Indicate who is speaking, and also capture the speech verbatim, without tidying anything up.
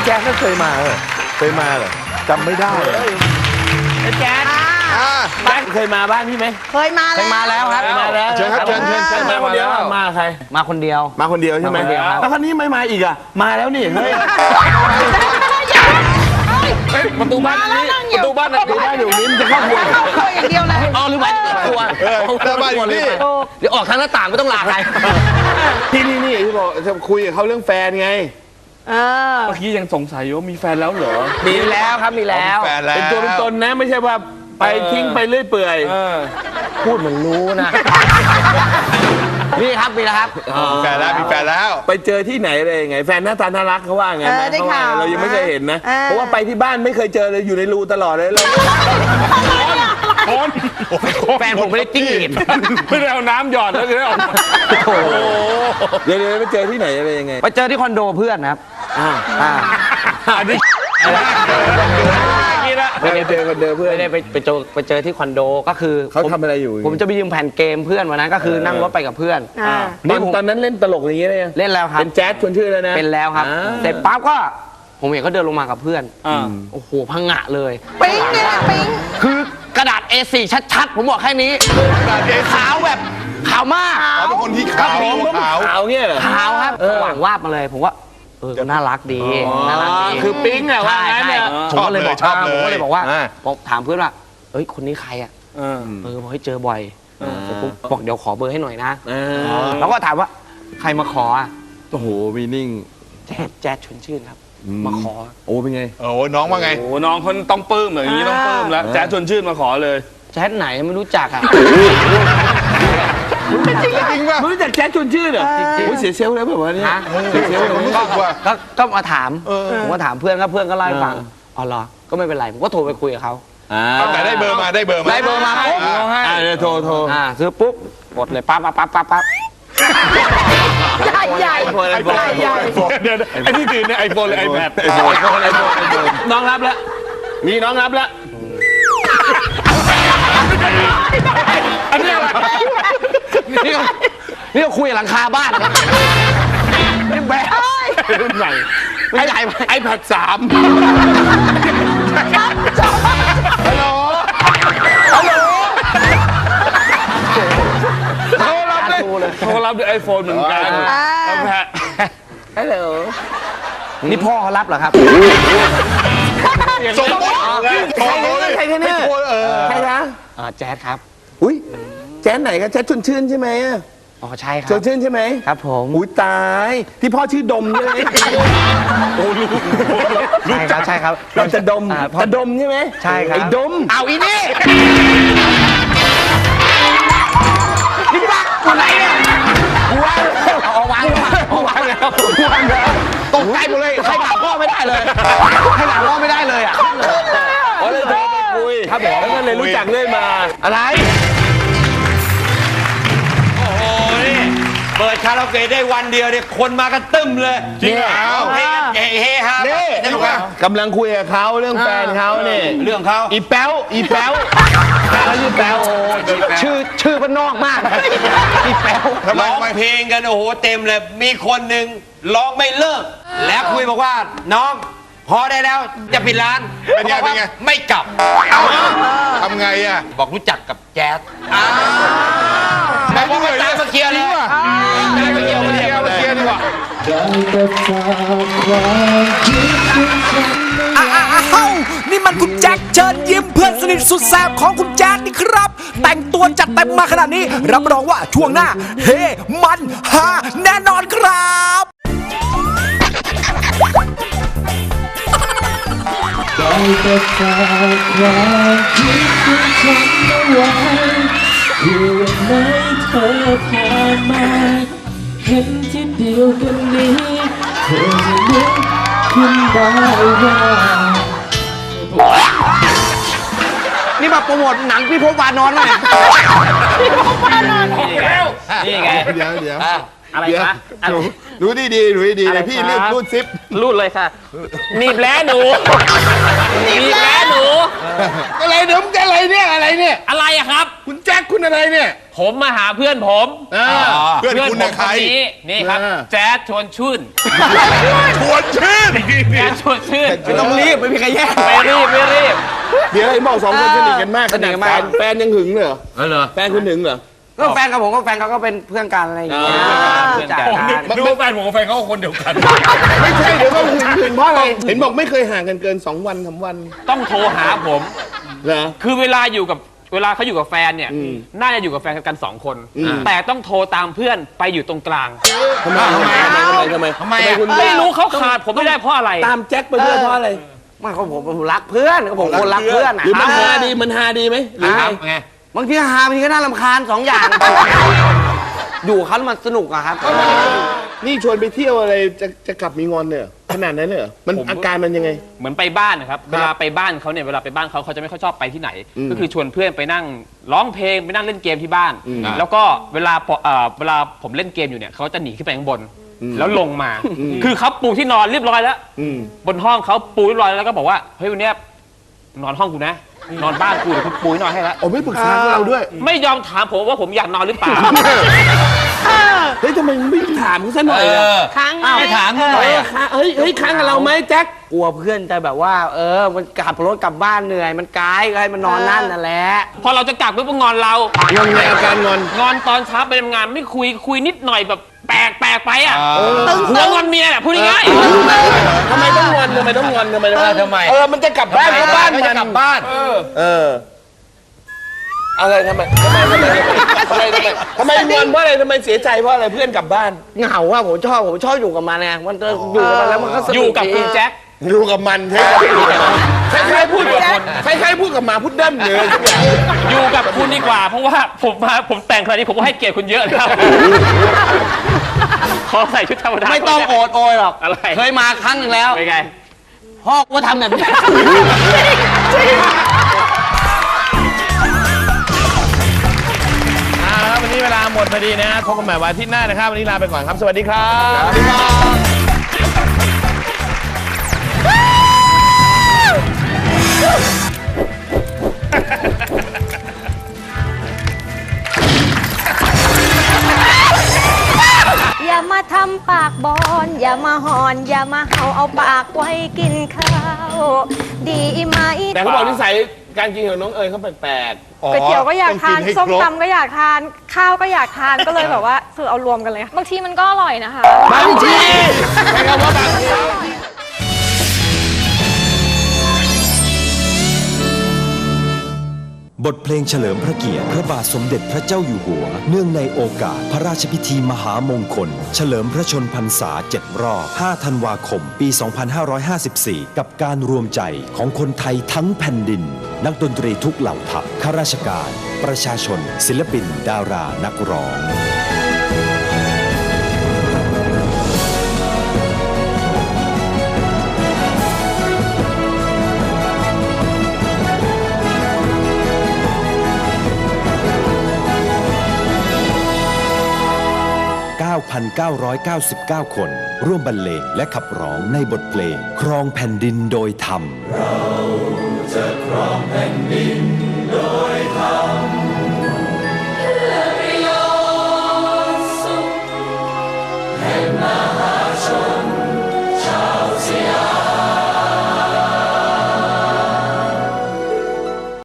Speaker 1: แจ๊คก็เคยมาเหรอเคยมาเหรอจำไม่ได้เลยแจ๊คบ้านเคยมาบ้านพี่ไหม
Speaker 2: เคยมาแล้วเคยมาแล้วครับ
Speaker 1: มาแล้วเชิญครับเชิญเชิญเชิญมาคนเดียวมาใคร
Speaker 3: มาคนเดียว
Speaker 1: มาคนเดียวใช่ไหมแล้วคนนี้ไม่มาอีกอ่ะมาแล้วนี่เฮ้ยประตูบ้านนี้ประตูบ้านประตูบ้านอยู่นี้มันจะเข้าครัว
Speaker 2: เข้าครัวอย่างเดียวเลย
Speaker 3: อ๋อหรือว่าครัว
Speaker 1: หน้าบ้านอยู่นี่
Speaker 3: เดี๋ยวออกทางหน้าต่างไม่ต้องลาใคร
Speaker 1: ที่นี่นี่ที่บอกจะคุยกับเขาเรื่องแฟนไง
Speaker 4: เมื่อกี้ยังสงสัยว่ามีแฟนแล้วเหรอ
Speaker 3: มีแล้วครับมีแล้ว
Speaker 1: เป็นตัวเป็นตนนะไม่ใช่ว่าไปทิ้งไปเรื่อยเปื่อย
Speaker 3: พูดเหมือนรู้นะนี่ครับมีแล้วครับ
Speaker 1: มีแฟนแล้วมีแฟนแล้วไปเจอที่ไหนเลยไงแฟนหน้าตาน่ารักเขาว่าไงนะเขาว่าเรายังไม่เคยเห็นนะเพราะว่าไปที่บ้านไม่เคยเจอเลยอยู่ในรูตลอดเลยเรา
Speaker 3: แฟนผมไม่ได้จิ้งหรีด
Speaker 4: ไม่ได้เอาน้ำหยอดแล้วเลยออก
Speaker 1: เดี๋ยวเดี๋ยวไปเจอที่ไหนอะไรยังไง
Speaker 3: ไปเจอที่คอนโดเพื่อนครับอ่าอ่า
Speaker 1: อันนี้ไม่ได้เจอคนเดิมเพื่อน
Speaker 3: ไม่ได้ไปไปเจอไปเจอที่คอนโดก็คือ
Speaker 1: เขาทำอะไรอยู่
Speaker 3: ผมจะไปยืมแผ่นเกมเพื่อนวันนั้นก็คือนั่งรถไปกับเพื่อน
Speaker 1: นี่ตอนนั้นเล่นตลกอย่างนี้เลย
Speaker 3: เล่นแล้วครับ
Speaker 1: เป็นแจ๊สชวนชื่อแล้วนะ
Speaker 3: เป็นแล้วครับเสร็จปั๊บก็ผมเห็นเขาเดินลงมากับเพื่อนโอ้โหพังงะเลย
Speaker 2: ปิ๊งเนี่ยปิ๊ง
Speaker 3: คือกระดาษ เอ โฟร์ ชัดๆผมบอกแค่นี้ขาวแบบขาวมาก
Speaker 1: เขาเป็นคนที่ขาวขาวขาวเงี้ยเหรอ
Speaker 3: ขาวครับหว่างวาบมาเลยผมว่าเออน่ารักดีน่ารักดี
Speaker 1: คือปิ๊งอะว่างั้นเนี่ย
Speaker 3: ผมก็เลยบอกผมก็เลยบอกว่าถามเพื่อนว่าเอ้ยคนนี้ใครอ่ะเออบอกให้เจอบ่อยผมบอกเดี๋ยวขอเบอร์ให้หน่อยนะแล้วก็ถามว่าใครมาขออ่ะ
Speaker 1: โอ้โหมีนิ่ง
Speaker 3: แจ๊ดแจ๊ดชวนชื่นครับมาขอ
Speaker 1: โอ้เป็นไงโอ้น้องว่าไง
Speaker 4: โอ้น้องคนต้องปลื้มอย่างนี้ต้องปลื้มแล้วแจ๊ดชวนชื่นมาขอเลย
Speaker 3: แจ๊ดไหนไม่รู้จักอ่ะ
Speaker 1: จริงจริงป่ะรู้จักแจ๊ดชวนชื่นเหรอโอ้ยเสียเซลล์แล้วแบบว่านี้เสียเซลล์เลย
Speaker 3: ก็มาถามผมก็ถามเพื่อนก็เพื่อนก็เล่าให้ฟังอ๋อเหรอก็ไม่เป็นไรผมก็โทรไปคุยกับเขา
Speaker 1: แต่ได้เบอร์มาได้เบอร์มา
Speaker 3: ได้เบอร์มาปุ๊บ
Speaker 1: อ่าโทรโทร
Speaker 3: อ่าซื้อปุ๊บกดเลยปั๊บปั๊บปั๊บปั๊บปั๊บ
Speaker 2: ใหญ่ใหญ่ใหญ่ใหญ่
Speaker 4: เดี๋ยวไอ้ที่ตื่นเนี่ยไอโฟนเลยไอแพด
Speaker 1: ไอโฟนไอโฟนไอโฟนน้องรับแล้วมีน้องรับแล้ว
Speaker 3: อันนี้อะไรนี่นี่เราคุยหลังคาบ้านครับนี่แบะ
Speaker 4: รุ่นใหม่
Speaker 3: ไอ้ใหญ่
Speaker 1: ไอแพดสามฮัลโหลฮัลโหล
Speaker 4: โทรรับเลยโทรรับด้วยไอโฟนเหมือนกันไอแพด
Speaker 3: ฮัลโหลนี่พ่อเขารับเหรอครับ
Speaker 1: สมมติ
Speaker 3: ใครเนี่ยใครเนี่ยใครนะแจ๊ดครับ
Speaker 1: อุ้ยแจ๊ดไหนครับแจ๊ดชวนชื่นใช่ไหม
Speaker 3: อ๋อใช่ครับ
Speaker 1: ชวนชื่นใช่ไหม
Speaker 3: ครับผม
Speaker 1: อุ้ยตายที่พ่อชื่อดมใช่ไหม
Speaker 3: โอ้รู้รู้จักใช่ครับ
Speaker 1: เราจะดมจะดมใช่ไหม
Speaker 3: ใช่ครับ
Speaker 1: ไอ้ดม
Speaker 3: เอาอีนี่นี่บ้าคนไหนเนี่ยวางเอาวางเอาวางแล้ววางแล้วตกใจหมดเลยใครด่าพ่อไม่ได้เลยใครด่าพ่อไม่ได้เลยอ่ะ
Speaker 1: อ๋อเลยโทรไปคุย
Speaker 3: ครับผม
Speaker 1: แล้วก็เลยรู้จักเรื่อยมา
Speaker 3: อะไร
Speaker 5: โอ้โหนี่เปิดคาราโอเกะได้วันเดียวเนี่ยคนมากันตึ้มเลย
Speaker 1: จริงเหรอ
Speaker 5: เฮเฮฮา
Speaker 1: นี่กำลังคุยกับเขาเรื่องแฟนเขาเนี่ย
Speaker 5: เรื่องเขา
Speaker 1: อีแป๊วอีแป๊วแล้วชื่อแป๊วโอ้
Speaker 3: ชื่อชื่อมันนอกมากอีแป๊ว
Speaker 5: ร้องเพลงกันโอ้โหเต็มเลยมีคนหนึ่งร้องไม่เลิกแล้วคุยบอกว่าน้องพอได้แล้วจะปิดร้าน
Speaker 1: เป็นไงเป็นไง
Speaker 5: ไม่กลับ
Speaker 1: ทำไงอ่ะ
Speaker 5: บอกรู้จักกับแจ๊สแต่ว่ามาตามมาเคลียร์เลยมาเคลียร์มาเคลียร์มาเคลียร์ดีกว่า
Speaker 6: อ้าวนี่มันคุณแจ็คเชิญยิ้มเพื่อนสนิทสุดแสบของคุณแจ๊ดนี่ครับแต่งตัวจัดเต็มมาขนาดนี้รับรองว่าช่วงหน้าเฮมันฮาแน่นอนครับได้แต่ฝากความคิดของฉันเอาไว้เพื่อวันไหนเธอผ่านมาเห็นที่เดียวกันนี้เธอจะนึกขึ้นได้ว่า
Speaker 3: นี่มาโปรโมทหนังพี่พบวานอนหน่อย
Speaker 2: พี่พบวานอน
Speaker 3: นี่ไง
Speaker 1: เดี๋ยวเดี๋ยว
Speaker 2: อะไรคะ
Speaker 1: หนูดูดีดีๆดูดีๆ
Speaker 2: อะไร
Speaker 1: เลยพี่
Speaker 2: ครับ
Speaker 1: รีบรูดซิป
Speaker 2: รูดเลยค่ะหนีบแล้วหนูหนีบแล้วหนู
Speaker 1: อะไรเดี๋ยวมึงจะอะไรเนี่ยอะไรเนี่ย
Speaker 2: อะไรอะครับ
Speaker 1: คุณแจ็คคุณอะไรเนี่ย
Speaker 2: ผมมาหาเพื่อนผม
Speaker 1: อ่าเพื่อนคุณ
Speaker 2: ผ
Speaker 1: น่ะ
Speaker 2: ม
Speaker 1: ใคร
Speaker 2: นนี้นี่ครับ
Speaker 1: อ่า
Speaker 2: แจ๊ดชวนชื่น
Speaker 1: ชวนชื่น
Speaker 2: แจ๊ดชวนชื่น
Speaker 3: ไม่ต้องรีบไม่มีใครแย่ง
Speaker 2: ไม่รีบไม่รีบ
Speaker 1: เดี๋ยวไอ้บอกสองคนสนิทกันมากข
Speaker 3: สนิ
Speaker 1: นา
Speaker 3: ท
Speaker 1: ด
Speaker 3: กัน
Speaker 1: แฟ
Speaker 3: มาก
Speaker 1: นแฟนยังหึงเลยเหรอ
Speaker 2: เออเหรอ
Speaker 1: แฟนคุณหึงเหรอ
Speaker 3: ก็แฟนกับผมก็แฟนเขาก็เป็นเพื่อนกันอะไรอย่างเงี้ย
Speaker 2: เพื่อนกัน
Speaker 4: นึกว่าแฟนผมกับแฟนเขาคนเดียวกัน
Speaker 1: ไม่ใช่เดี๋ยวก็หึงหึงเพราะอะไรเห็นบอกไม่เคยห่างกันเกินสองวันสามวัน
Speaker 2: ต้องโทรหาผม
Speaker 1: เหรอ
Speaker 2: คือเวลาอยู่กับเวลาเขาอยู่กับแฟนเนี่ย
Speaker 1: อืม
Speaker 2: น่าจะอยู่กับแฟนกันสองคน
Speaker 1: อืม
Speaker 2: แต่ต้องโทรตามเพื่อนไปอยู่ตรงกลาง
Speaker 1: ทำไมทำไมทำไมทำไมทำไมคุณ
Speaker 2: ไม่รู้เขาขาดผมไม่ได้เพราะอะไร
Speaker 1: ตามแจ็คไปด้วยเพราะอะไร
Speaker 3: ไม่เขาผมผมรักเพื่อนก็ผมคนรักเพื่อนอะ
Speaker 1: หรือมัน
Speaker 3: ค
Speaker 1: ฮา
Speaker 3: รับ
Speaker 1: ดีมันฮาดีไหมหรือไง
Speaker 2: ไง
Speaker 3: บางทีฮาบางทีก็น่ารำคาญสองอย่าง อยู่กับเขาแล้วมันสนุกอะครับ
Speaker 1: นี่ชวนไปเที่ยวอะไรจะจะกลับมีงอนเนี่ยขนาดนั้นเลยเหรอมันอาการมันยังไง
Speaker 2: เหมือนไปบ้านนะครับ เวลาไปบ้านเขาเนี่ย เวลาไปบ้านเขาเขาจะไม่ค่อยชอบไปที่ไหน ก็คือชวนเพื่อนไปนั่งร้องเพลงไปนั่งเล่นเกมที่บ้าน แล้วก็เวลาพอเอ่อเวลาผมเล่นเกมอยู่เนี่ยเขาจะหนีขึ้นไปข้างบน แล้วลงมา คือเขาปูที่นอนเรียบร้อยแล้ว
Speaker 1: อืม
Speaker 2: บนห้องเขาปูเรียบร้อยแล้วก็บอกว่า เฮ้ยวันเนี้ยนอนห้องกูนะ นอนบ้านกูเดี๋ยวกูปูให้นอนให้แล้ว
Speaker 1: โอ้ไม่ปรึกษาพวกเราด้วย
Speaker 2: ไม่ยอมถามผมว่าผมอยากนอนหรือเปล่า
Speaker 1: เฮ้ยทำไมไม่ถามเขาซะหน่อยอะ
Speaker 5: ค้างไม่ถามเขาหน่อยอะ
Speaker 1: ค้างเฮ้ยเฮ้ยค้างกับเราไหมแจ็ค
Speaker 3: กลัวเพื่อนจะแบบว่า เออ มันขับรถกลับบ้านเหนื่อย มันไกลก็ให้มันนอนนั่นนั่นแหละ
Speaker 2: พอเราจะกลับปุ๊บก็งอนเรา
Speaker 1: งอนไงอาการงอน
Speaker 2: งอนตอนเช้าไปทำงานไม่คุยคุยนิดหน่อยแบบแปลกแปลกไปอ่ะ
Speaker 1: เออ
Speaker 2: หัวงอนเมียแหละพูดง่าย
Speaker 1: ทำไมต้องงอนทำไมต้องงอนทำไมต้องงอน
Speaker 5: ทำไม
Speaker 1: เออมันจะกลับบ้านก็บ้าน
Speaker 5: มั
Speaker 1: มัน
Speaker 5: จะกลับบ้าน
Speaker 1: เอออะไรทำไมทำไมทำไมทำไมทำไมทำไมงอนเพราะอะไรทำไมเสียใจเพราะอะไรเพื่อนกลับบ้าน
Speaker 3: เหงาอะผมชอบผมชอบอยู่กับมันไงมันจะอยู่กับมันแล้วมันก็ส
Speaker 2: ๆ
Speaker 3: นุก
Speaker 2: อยู่กับคุณแจ็ค
Speaker 1: อยู่กับมันใช่ไหมคล้ายๆพูดกับคนคล้ายๆพูดกับหมาพุดเดิ้ลเลยทุกอย่าง
Speaker 2: อยู่กับคุณดีกว่า เพราะว่าผมมาผมแต่งขนาดนี้ผมก็ให้เกียรติคุณเยอะแล้วขอใส่ชุดธรรมดา
Speaker 3: ไม่ต้องโอดโอยหรอก
Speaker 2: อะไร
Speaker 3: เคยมาครั้งหนึ่งแล้ว
Speaker 2: เป็นไง
Speaker 3: พ่อก็ทำแบบนี้
Speaker 1: เอาละครับวันนี้เวลาหมดพอดีนะพบกันใหม่วันอาทิตย์หน้านะครับวันนี้ลาไปก่อนครับสวัสดีครับสวัสดีครับ
Speaker 7: อย่ามาทำปากบอน อย่ามาหอน อย่ามาเห่าเอาปากไว้กินข้าว ดีไหม
Speaker 1: แต่เขาบอกนิสัยการกินของน้องเอ๋ยเขาแปลกๆ
Speaker 8: ก๋วยเตี๋ยวก็อยากทานส้มตำก็อยากทานข้าวก็อยากทานก็เลยแบบว่าคือเอารวมกันเลยบางทีมันก็อร่อยนะคะ
Speaker 1: บางทีใช้คำว่าบางที
Speaker 9: บทเพลงเฉลิมพระเกียรติพระบาทสมเด็จพระเจ้าอยู่หัวเนื่องในโอกาสพระราชพิธีมหามงคล เฉลิมพระชนพรรษาเจ็ดรอบห้าธันวาคมปี สองพันห้าร้อยห้าสิบสี่ กับการรวมใจของคนไทยทั้งแผ่นดิน นักดนตรีทุกเหล่าทัพข้าราชการ ประชาชน ศิลปิน ดารา นักร้อง เก้าพันเก้าร้อยเก้าสิบเก้า คน ร่วมบรรเลงและขับร้องในบทเพลงครองแผ่นดินโดยธรรมเราจะครองแผ่นดิน